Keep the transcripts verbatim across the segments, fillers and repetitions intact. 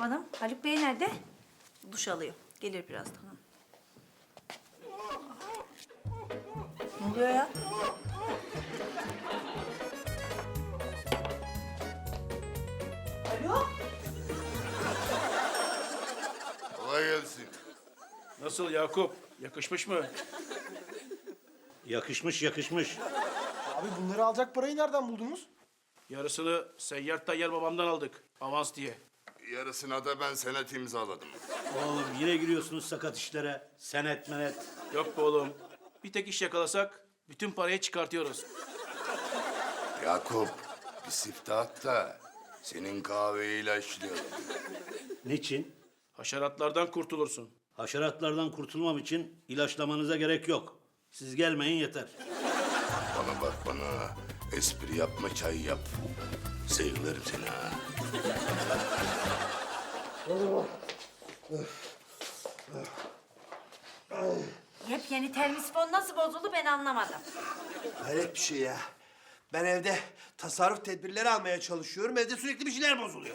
Hanım. Haluk Bey nerede? Duş alıyor. Gelir birazdan. Ne oluyor ya? Alo? Kolay gelsin. Nasıl Yakup? Yakışmış mı? Yakışmış yakışmış. Abi bunları alacak parayı nereden buldunuz? Yarısını Seyyar Tayyar babamdan aldık. Avans diye. Yarısına da ben senet imzaladım. Oğlum yine giriyorsunuz sakat işlere. Senet menet. Yok be oğlum. Bir tek iş yakalasak bütün parayı çıkartıyoruz. Yakup, bir siftah da senin kahveyi ilaçlayalım. Niçin? Haşeratlardan kurtulursun. Haşeratlardan kurtulmam için ilaçlamanıza gerek yok. Siz gelmeyin yeter. Bana bak bana. Espri yapma, çay yap. Sevgilerim seni ha. Yepyeni termisifon nasıl bozuldu ben anlamadım. Hayret bir şey ya. Ben evde tasarruf tedbirleri almaya çalışıyorum. Evde sürekli bir şeyler bozuluyor.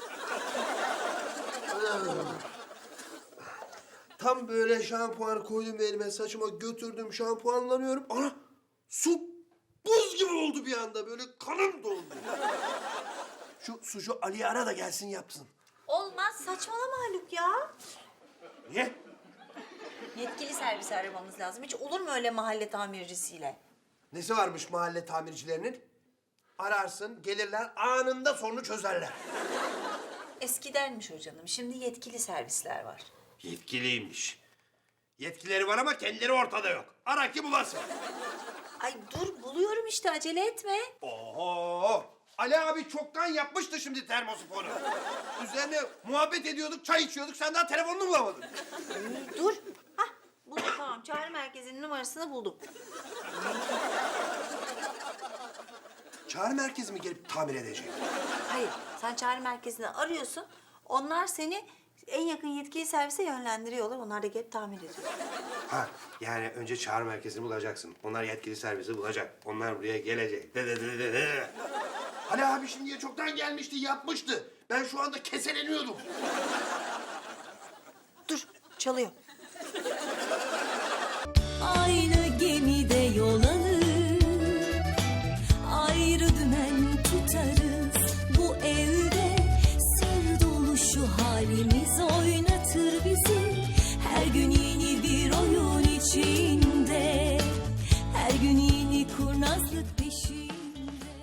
Tam böyle şampuanı koydum elime, saçıma götürdüm, şampuanlanıyorum. Ana! Su buz gibi oldu bir anda. Böyle kanım doldu. Şu sucu Ali'yi ara da gelsin yapsın. Olmaz saçmalama Haluk ya. Niye? Yetkili servisi aramamız lazım. Hiç olur mu öyle mahalle tamircisiyle? Nesi varmış mahalle tamircilerinin? Ararsın, gelirler, anında sorunu çözerler. Eskidenmiş o canım. Şimdi yetkili servisler var. Yetkiliymiş. Yetkileri var ama kendileri ortada yok. Ara ki bulasın. Ay dur buluyorum işte acele etme. Oho! Ali abi çoktan yapmıştı şimdi termosifonu. Üzerine muhabbet ediyorduk, çay içiyorduk. Sen daha telefonunu bulamadın. Ay, dur. Hah buldum tamam. Çağrı merkezinin numarasını buldum. Çağrı merkezi mi gelip tamir edecek? Hayır sen çağrı merkezini arıyorsun. Onlar seni en yakın yetkili servise yönlendiriyorlar. Onlar da gelip tamir ediyor. Ha, yani önce çağrı merkezini bulacaksın. Onlar yetkili servisi bulacak. Onlar buraya gelecek. De de de de de. Ali abi şimdiye çoktan gelmişti, yapmıştı. Ben şu anda keseleniyordum. Dur çalıyor.